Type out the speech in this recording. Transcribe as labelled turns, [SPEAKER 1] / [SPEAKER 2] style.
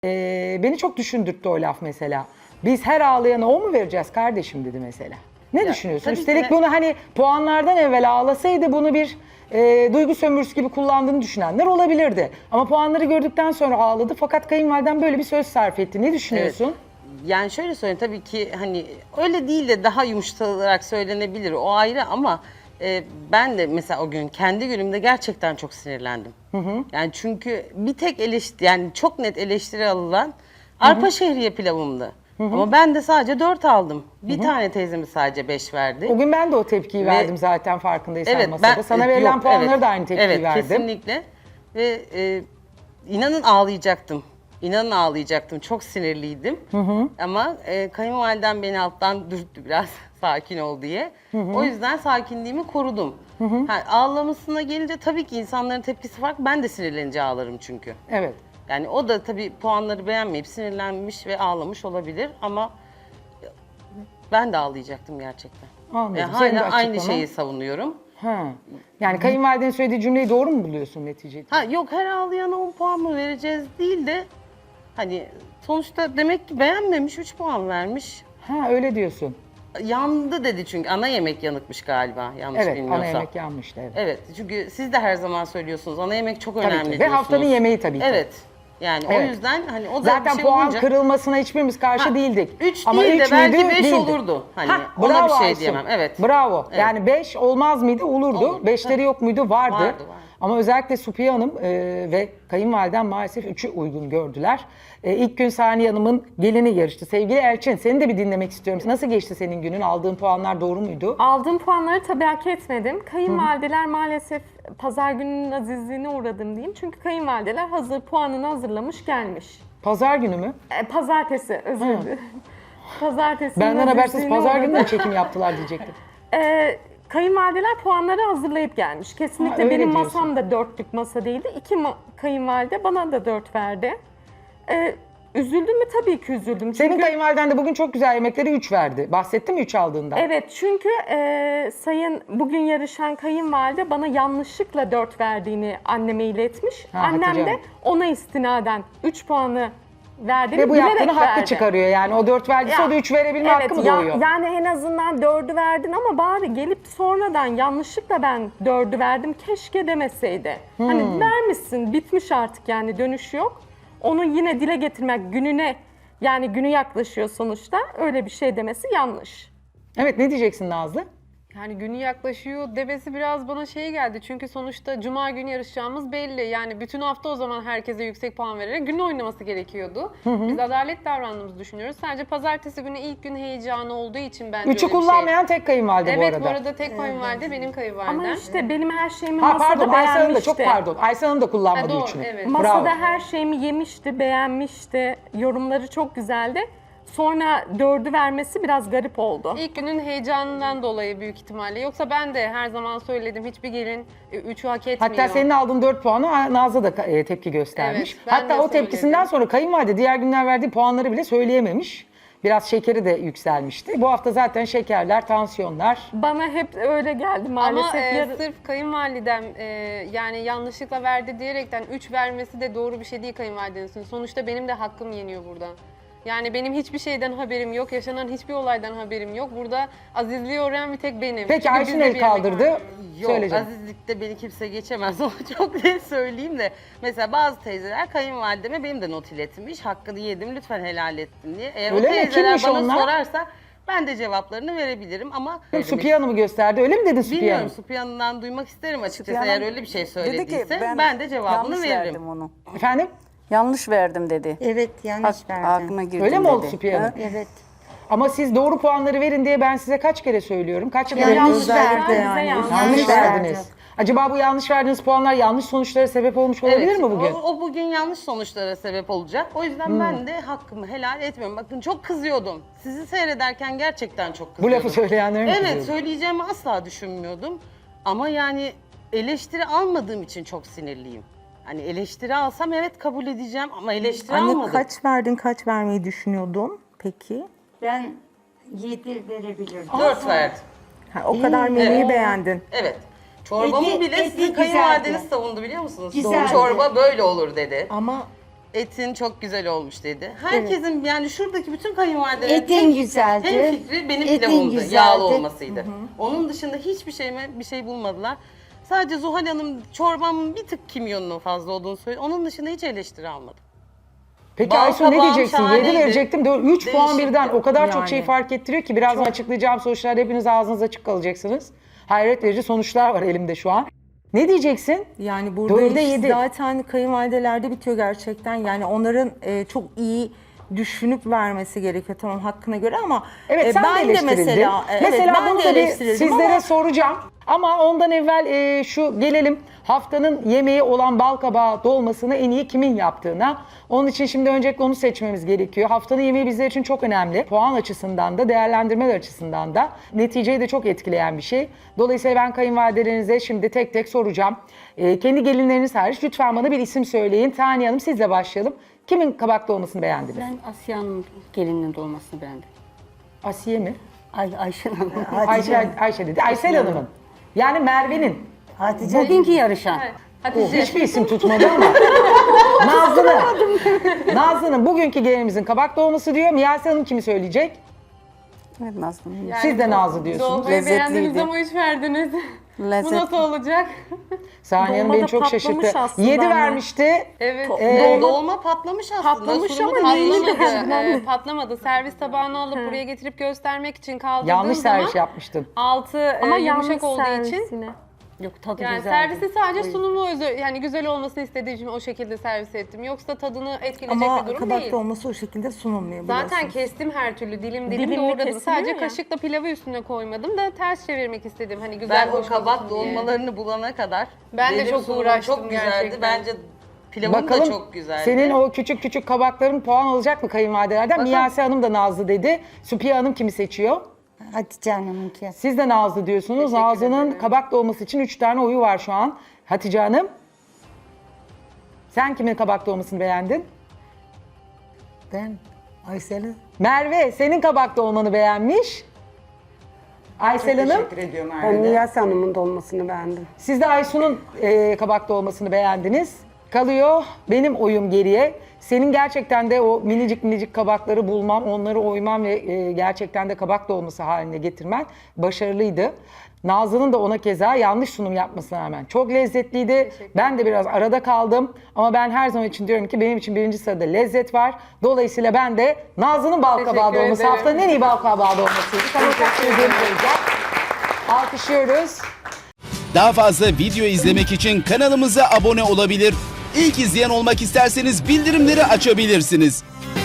[SPEAKER 1] Beni çok düşündürttü o laf mesela. Biz her ağlayana o mu vereceğiz kardeşim dedi mesela. Ne düşünüyorsun?
[SPEAKER 2] tabii ki
[SPEAKER 1] Üstelik
[SPEAKER 2] de-
[SPEAKER 1] bunu hani puanlardan evvel ağlasaydı bunu bir duygu sömürüsü gibi kullandığını düşünenler olabilirdi. Ama puanları gördükten sonra ağladı fakat kayınvaliden böyle bir söz sarf etti. Ne düşünüyorsun?
[SPEAKER 2] Yani şöyle söyleyeyim, tabii ki hani öyle değil de daha yumuşatılarak söylenebilir, o ayrı, ama ben de mesela o gün kendi günümde gerçekten çok sinirlendim. Yani çünkü bir tek yani çok net eleştiri alınan arpa şehriye pilavımdı. Ama ben de sadece 4 aldım. Bir tane teyzemiz sadece 5 verdi.
[SPEAKER 1] O gün ben de o tepkiyi verdim zaten farkındaysan
[SPEAKER 2] Evet,
[SPEAKER 1] masada. Sana verilen
[SPEAKER 2] yok,
[SPEAKER 1] puanları
[SPEAKER 2] evet,
[SPEAKER 1] da aynı tepkiyi
[SPEAKER 2] evet,
[SPEAKER 1] verdim.
[SPEAKER 2] kesinlikle. Ve inanın ağlayacaktım. İnanın ağlayacaktım. Çok sinirliydim. Ama kayınvalidem beni alttan dürttü biraz sakin ol diye. O yüzden sakinliğimi korudum. Ağlamasına gelince tabii ki insanların tepkisi farklı. Ben de sinirlenince ağlarım çünkü.
[SPEAKER 1] Evet.
[SPEAKER 2] Yani o da tabii puanları beğenmeyip sinirlenmiş ve ağlamış olabilir, ama ben de ağlayacaktım gerçekten.
[SPEAKER 1] Anladım. Senin de
[SPEAKER 2] Hala aynı
[SPEAKER 1] açıklaman.
[SPEAKER 2] şeyi savunuyorum.
[SPEAKER 1] Ha. Yani kayınvalidenin söylediği cümleyi doğru mu buluyorsun neticede?
[SPEAKER 2] Yok, her ağlayana 10 puan mı vereceğiz değil de hani sonuçta demek ki beğenmemiş, 3 puan vermiş.
[SPEAKER 1] Ha öyle diyorsun.
[SPEAKER 2] Yandı dedi çünkü ana yemek yanıkmış galiba, yanlış
[SPEAKER 1] Evet,
[SPEAKER 2] bilmiyorsam.
[SPEAKER 1] ana yemek yanmıştı. Evet.
[SPEAKER 2] Evet, çünkü siz de her zaman söylüyorsunuz ana yemek çok
[SPEAKER 1] Tabii
[SPEAKER 2] önemli
[SPEAKER 1] ki. Ve
[SPEAKER 2] diyorsunuz.
[SPEAKER 1] haftanın yemeği tabii ki.
[SPEAKER 2] Evet. Yani o
[SPEAKER 1] Evet.
[SPEAKER 2] yüzden hani o da
[SPEAKER 1] Zaten
[SPEAKER 2] bir şey
[SPEAKER 1] puan
[SPEAKER 2] olunca...
[SPEAKER 1] kırılmasına hiçbirimiz karşı
[SPEAKER 2] Ha,
[SPEAKER 1] değildik.
[SPEAKER 2] üç
[SPEAKER 1] Ama
[SPEAKER 2] değil de
[SPEAKER 1] üç
[SPEAKER 2] belki
[SPEAKER 1] müydü?
[SPEAKER 2] beş
[SPEAKER 1] Değildi.
[SPEAKER 2] olurdu. Hani ona
[SPEAKER 1] bravo
[SPEAKER 2] bir şey
[SPEAKER 1] Aysun.
[SPEAKER 2] diyemem, evet.
[SPEAKER 1] Bravo.
[SPEAKER 2] Evet.
[SPEAKER 1] Yani 5 olmaz mıydı? Olurdu.
[SPEAKER 2] Olurdu,
[SPEAKER 1] 5'leri
[SPEAKER 2] tabii.
[SPEAKER 1] yok muydu? Vardı.
[SPEAKER 2] Vardı.
[SPEAKER 1] Ama özellikle Supiye Hanım ve kayınvaliden maalesef 3'ü uygun gördüler. İlk gün Saniye Hanım'ın gelini yarıştı. Sevgili Elçin, seni de bir dinlemek istiyorum. Nasıl geçti senin günün? Aldığın puanlar doğru muydu?
[SPEAKER 3] Aldığım puanları tabii hak etmedim. Kayınvalideler maalesef pazar gününün azizliğine uğradım diyeyim. Çünkü kayınvalideler hazır puanını hazırlamış gelmiş.
[SPEAKER 1] Pazar günü mü?
[SPEAKER 3] Pazartesi, özür dilerim. Pazartesi.
[SPEAKER 1] Benden habersiz pazar günü mü çekim yaptılar diyecektim.
[SPEAKER 3] Kayınvalideler puanları hazırlayıp gelmiş. Kesinlikle
[SPEAKER 1] öyle
[SPEAKER 3] benim
[SPEAKER 1] diyorsun.
[SPEAKER 3] masam da dörtlük masa değildi. Kayınvalide bana da 4 verdi. Üzüldüm mü? Tabii ki üzüldüm.
[SPEAKER 1] Senin
[SPEAKER 3] Çünkü
[SPEAKER 1] kayınvaliden de bugün çok güzel yemekleri 3 verdi. Bahsetti mi 3 aldığından?
[SPEAKER 3] evet, çünkü bugün yarışan kayınvalide bana yanlışlıkla 4 verdiğini anneme iletmiş.
[SPEAKER 1] Ha,
[SPEAKER 3] Annem
[SPEAKER 1] Hatice
[SPEAKER 3] de
[SPEAKER 1] Hanım.
[SPEAKER 3] ona istinaden 3 puanı verdiğini
[SPEAKER 1] Ve bu
[SPEAKER 3] bilerek
[SPEAKER 1] yaptığını haklı
[SPEAKER 3] verdi.
[SPEAKER 1] çıkarıyor yani. O 4 verdiyse
[SPEAKER 3] Ya,
[SPEAKER 1] o da 3 verebilme hakkı mı doğuyor?
[SPEAKER 3] Yani en azından 4'ü verdin ama bari gelip sonradan yanlışlıkla ben 4'ü verdim keşke demeseydi. Hani vermişsin, bitmiş artık, yani dönüş yok. Onu yine dile getirmek, günü yaklaşıyor sonuçta, öyle bir şey demesi yanlış.
[SPEAKER 1] Evet, ne diyeceksin Nazlı?
[SPEAKER 4] Yani günü yaklaşıyor demesi biraz bana şey geldi. Çünkü sonuçta cuma günü yarışacağımız belli. Yani bütün hafta o zaman herkese yüksek puan vererek gün oynaması gerekiyordu. Biz adalet davrandığımızı düşünüyoruz. Sadece pazartesi günü ilk gün heyecanı olduğu için bence
[SPEAKER 1] 3'ü
[SPEAKER 4] öyle bir
[SPEAKER 1] kullanmayan tek kayınvalide
[SPEAKER 4] şey.
[SPEAKER 1] bu
[SPEAKER 4] Evet,
[SPEAKER 1] arada.
[SPEAKER 4] bu arada tek kayınvalide benim kayınvalidem.
[SPEAKER 3] Ama işte benim her şeyimi
[SPEAKER 1] Ha
[SPEAKER 3] masada
[SPEAKER 1] pardon Aysel Hanım da
[SPEAKER 3] beğenmişti.
[SPEAKER 1] çok pardon. Aysel Hanım da kullanmadı
[SPEAKER 4] Ha, doğru,
[SPEAKER 1] 3'ünü.
[SPEAKER 4] evet.
[SPEAKER 3] Masada
[SPEAKER 1] Bravo.
[SPEAKER 3] her şeyimi yemişti, beğenmişti. Yorumları çok güzeldi. Sonra 4'ü vermesi biraz garip oldu.
[SPEAKER 4] İlk günün heyecanından dolayı büyük ihtimalle. Yoksa ben de her zaman söyledim, hiçbir gelin 3'ü hak etmiyor.
[SPEAKER 1] Hatta senin aldığın 4 puanı Nazlı da tepki göstermiş.
[SPEAKER 4] Evet, ben
[SPEAKER 1] Hatta
[SPEAKER 4] de
[SPEAKER 1] o tepkisinden
[SPEAKER 4] söyledim.
[SPEAKER 1] sonra kayınvalide diğer günler verdiği puanları bile söyleyememiş. Biraz şekeri de yükselmişti. Bu hafta zaten şekerler, tansiyonlar.
[SPEAKER 3] Bana hep öyle geldi
[SPEAKER 4] Ama
[SPEAKER 3] maalesef.
[SPEAKER 4] sırf kayınvalidem yani yanlışlıkla verdi diyerekten 3 vermesi de doğru bir şey değil kayınvalidenizin. Sonuçta benim de hakkım yeniyor burada. Yani benim hiçbir şeyden haberim yok, yaşanan hiçbir olaydan haberim yok. Burada azizliği uğrayan bir tek benim.
[SPEAKER 1] Peki
[SPEAKER 4] Çünkü
[SPEAKER 1] Ayşin
[SPEAKER 4] bizde
[SPEAKER 1] el
[SPEAKER 4] bir yemek
[SPEAKER 1] kaldırdı.
[SPEAKER 4] var.
[SPEAKER 2] Yok,
[SPEAKER 1] Söyleyeceğim.
[SPEAKER 2] azizlikte beni kimse geçemez. Onu çok net söyleyeyim de. Mesela bazı teyzeler kayınvalideme benim de not iletmiş. Hakkını yedim, lütfen helal ettin diye. Eğer
[SPEAKER 1] Öyle
[SPEAKER 2] o
[SPEAKER 1] mi?
[SPEAKER 2] teyzeler
[SPEAKER 1] Kimmiş
[SPEAKER 2] bana
[SPEAKER 1] onlar?
[SPEAKER 2] sorarsa ben de cevaplarını verebilirim, ama...
[SPEAKER 1] Supiye Hanım'ı gösterdi. Öyle mi dedin Supiye
[SPEAKER 2] Bilmiyorum,
[SPEAKER 1] Hanım?
[SPEAKER 2] Supiye Hanım'dan duymak isterim açıkçası,
[SPEAKER 5] Supiye
[SPEAKER 2] eğer
[SPEAKER 5] Hanım
[SPEAKER 2] öyle bir şey
[SPEAKER 5] dedi ki,
[SPEAKER 2] söylediyse. Ben de cevabını
[SPEAKER 5] yanlış
[SPEAKER 2] veririm.
[SPEAKER 5] verdim onu.
[SPEAKER 1] Efendim?
[SPEAKER 5] Yanlış verdim dedi.
[SPEAKER 6] Evet, yanlış verdim.
[SPEAKER 5] Aklıma girdi
[SPEAKER 1] Öyle mi
[SPEAKER 5] dedi.
[SPEAKER 1] oldu Supiye Hanım?
[SPEAKER 5] Ha?
[SPEAKER 6] Evet.
[SPEAKER 1] Ama siz doğru puanları verin diye ben size kaç kere söylüyorum. Kaç kere
[SPEAKER 6] Yanlış verdi
[SPEAKER 3] bize
[SPEAKER 6] yani.
[SPEAKER 3] yanlış
[SPEAKER 1] yanlış
[SPEAKER 6] verdi.
[SPEAKER 1] verdiniz. Acaba bu yanlış verdiğiniz puanlar yanlış sonuçlara sebep olmuş olabilir
[SPEAKER 2] Evet,
[SPEAKER 1] mi bugün?
[SPEAKER 2] O bugün yanlış sonuçlara sebep olacak. O yüzden ben de hakkımı helal etmiyorum. Bakın, çok kızıyordum. Sizi seyrederken gerçekten çok
[SPEAKER 1] Bu
[SPEAKER 2] kızıyordum.
[SPEAKER 1] lafı söyleyenlerin mi
[SPEAKER 2] Evet,
[SPEAKER 1] kızıyordu?
[SPEAKER 2] söyleyeceğimi asla düşünmüyordum. Ama yani eleştiri almadığım için çok sinirliyim. Hani eleştiri alsam evet kabul edeceğim, ama eleştiri
[SPEAKER 6] Anne
[SPEAKER 2] almadım.
[SPEAKER 6] kaç verdin, kaç vermeyi düşünüyordun peki?
[SPEAKER 7] Ben 7 verebilirdim.
[SPEAKER 2] 4 verdim.
[SPEAKER 6] Ha, o kadar menüyü
[SPEAKER 2] Evet.
[SPEAKER 6] beğendin.
[SPEAKER 2] Evet. Çorbamı
[SPEAKER 7] Eti-
[SPEAKER 2] bile
[SPEAKER 7] eti
[SPEAKER 2] sizin
[SPEAKER 7] güzeldi.
[SPEAKER 2] kayınvalideniz savundu, biliyor musunuz?
[SPEAKER 7] Güzeldi.
[SPEAKER 2] Çorba böyle olur dedi.
[SPEAKER 6] Ama
[SPEAKER 2] Etin çok güzel olmuş dedi. Herkesin yani şuradaki bütün kayınvalidelerin
[SPEAKER 7] Etin güzeldi.
[SPEAKER 2] hem fikri benim
[SPEAKER 7] Etin
[SPEAKER 2] pilavımdı.
[SPEAKER 7] güzeldi.
[SPEAKER 2] Yağlı olmasıydı. Onun dışında hiçbir bir şey bulmadılar. Sadece Zuhal Hanım çorbamın bir tık kimyonunun fazla olduğunu söyledi. Onun dışında hiç eleştiri almadım.
[SPEAKER 1] Peki
[SPEAKER 2] Bal
[SPEAKER 1] Aysun ne
[SPEAKER 2] kabağım
[SPEAKER 1] diyeceksin? 7
[SPEAKER 2] şahaneydi.
[SPEAKER 1] verecektim. 3 puan
[SPEAKER 2] Değişikti.
[SPEAKER 1] birden o kadar çok
[SPEAKER 6] Yani.
[SPEAKER 1] şey fark ettiriyor ki birazdan açıklayacağım sonuçlarda hepiniz ağzınız açık kalacaksınız. Hayret verici sonuçlar var elimde şu an. Ne diyeceksin?
[SPEAKER 6] Yani burada
[SPEAKER 1] 4'e
[SPEAKER 6] iş
[SPEAKER 1] 7.
[SPEAKER 6] zaten kayınvalidelerde bitiyor gerçekten. Yani onların çok iyi düşünüp vermesi gerekiyor tamam hakkına göre ama
[SPEAKER 1] Evet sen de
[SPEAKER 6] ben de
[SPEAKER 1] eleştirildin.
[SPEAKER 6] mesela
[SPEAKER 1] Mesela
[SPEAKER 6] ben
[SPEAKER 1] bunu
[SPEAKER 6] de
[SPEAKER 1] da bir
[SPEAKER 6] eleştirildim
[SPEAKER 1] sizlere
[SPEAKER 6] ama
[SPEAKER 1] soracağım. Ama ondan evvel şu gelelim haftanın yemeği olan bal kabağı dolmasını en iyi kimin yaptığına. Onun için şimdi öncelikle onu seçmemiz gerekiyor. Haftanın yemeği bizler için çok önemli. Puan açısından da değerlendirmeler açısından da neticeyi de çok etkileyen bir şey. Dolayısıyla ben kayınvalidelerinize şimdi tek tek soracağım. Kendi gelinleriniz hariç lütfen bana bir isim söyleyin. Taniye Hanım sizle başlayalım. Kimin kabak dolmasını beğendiniz?
[SPEAKER 8] Ben Asya'nın gelininin dolmasını beğendim.
[SPEAKER 1] Asiye mi?
[SPEAKER 8] Ayşen Hanım.
[SPEAKER 1] Ayşe dedi. Aysel Hanım'ın. Yani Merve'nin.
[SPEAKER 8] Bugünkü yarışan.
[SPEAKER 4] Hatice.
[SPEAKER 1] Hiçbir isim tutmadı ama. Nazlı'nın bugünkü gelinimizin kabak dolması diyor. Miyase Hanım kimi söyleyecek?
[SPEAKER 5] Evet Nazlı.
[SPEAKER 1] Siz de Nazlı diyorsunuz.
[SPEAKER 4] Dolmayı beğendiniz
[SPEAKER 5] Lezzetliydi.
[SPEAKER 4] ama 3 verdiniz. Bu
[SPEAKER 5] Lezzetli.
[SPEAKER 4] nasıl olacak?
[SPEAKER 1] Saniye Hanım
[SPEAKER 3] Dolma
[SPEAKER 1] beni
[SPEAKER 3] da
[SPEAKER 1] çok
[SPEAKER 3] patlamış
[SPEAKER 1] şaşırttı.
[SPEAKER 3] aslında
[SPEAKER 1] 7
[SPEAKER 3] ama.
[SPEAKER 1] vermişti.
[SPEAKER 4] Evet.
[SPEAKER 2] Dolma patlamış aslında.
[SPEAKER 3] Patlamış
[SPEAKER 2] Sunumu
[SPEAKER 3] ama
[SPEAKER 2] da
[SPEAKER 3] neyini
[SPEAKER 2] patlamadı.
[SPEAKER 3] beğendin?
[SPEAKER 4] Patlamadı. Servis tabağını alıp buraya getirip göstermek için kaldırdığım
[SPEAKER 1] Yanlış
[SPEAKER 4] zaman
[SPEAKER 1] servis yapmıştın.
[SPEAKER 4] altı
[SPEAKER 3] ama
[SPEAKER 4] yumuşak
[SPEAKER 3] yanlış
[SPEAKER 4] olduğu
[SPEAKER 3] servis
[SPEAKER 4] için
[SPEAKER 3] yine.
[SPEAKER 8] Yok tadı
[SPEAKER 4] yani
[SPEAKER 8] güzeldi.
[SPEAKER 4] servisi sadece sunumu yani güzel olmasını istediğim için o şekilde servis ettim. Yoksa tadını etkileyecek
[SPEAKER 6] ama
[SPEAKER 4] bir durum
[SPEAKER 6] kabak
[SPEAKER 4] değil.
[SPEAKER 6] dolması o şekilde sunulmuyor
[SPEAKER 4] Zaten
[SPEAKER 6] biliyorsunuz.
[SPEAKER 4] kestim her türlü dilim
[SPEAKER 3] Dilimli
[SPEAKER 4] doğradım.
[SPEAKER 3] kesiliyor
[SPEAKER 4] Sadece
[SPEAKER 3] ya.
[SPEAKER 4] kaşıkla pilavı üstüne koymadım da ters çevirmek istedim. Hani güzel
[SPEAKER 2] Ben o
[SPEAKER 4] hoş
[SPEAKER 2] kabak
[SPEAKER 4] olsun diye.
[SPEAKER 2] dolmalarını bulana kadar
[SPEAKER 4] Ben de
[SPEAKER 2] benim
[SPEAKER 4] çok
[SPEAKER 2] sunumum
[SPEAKER 4] uğraştım
[SPEAKER 2] çok güzeldi.
[SPEAKER 4] gerçekten.
[SPEAKER 2] Bence pilavım da
[SPEAKER 1] Bakalım
[SPEAKER 2] çok güzeldi.
[SPEAKER 1] senin o küçük küçük kabakların puan alacak mı kayınvalidelerden?
[SPEAKER 2] Bakalım.
[SPEAKER 1] Miyase Hanım da Nazlı dedi. Süpiye Hanım kimi seçiyor?
[SPEAKER 7] Hatice Hanım'ınki.
[SPEAKER 1] Siz de Nazlı diyorsunuz.
[SPEAKER 4] Teşekkür
[SPEAKER 1] Nazlı'nın
[SPEAKER 4] ederim.
[SPEAKER 1] kabak dolması için 3 tane oyu var şu an. Hatice Hanım. Sen kimin kabak dolmasını beğendin?
[SPEAKER 9] Ben Aysel'i
[SPEAKER 1] Merve senin kabak dolmanı beğenmiş. Aysel Hanım.
[SPEAKER 10] Ben Niyaz Hanım'ın dolmasını beğendim.
[SPEAKER 1] Siz de Aysun'un kabak dolmasını beğendiniz. Kalıyor benim oyum geriye. Senin gerçekten de o minicik minicik kabakları bulmam, onları oymam ve gerçekten de kabak dolması haline getirmen başarılıydı. Nazlı'nın da ona keza yanlış sunum yapmasına rağmen çok lezzetliydi. Ben de biraz arada kaldım ama ben her zaman için diyorum ki benim için birinci sırada lezzet var. Dolayısıyla ben de Nazlı'nın bal kabağı
[SPEAKER 4] Teşekkür
[SPEAKER 1] dolması
[SPEAKER 4] ederim.
[SPEAKER 1] haftanın en iyi bal kabağı dolmasıydı. Sana takdir ediyorum. Alkışlıyoruz.
[SPEAKER 11] Daha fazla video izlemek için kanalımıza abone olabilir. İlk izleyen olmak isterseniz bildirimleri açabilirsiniz.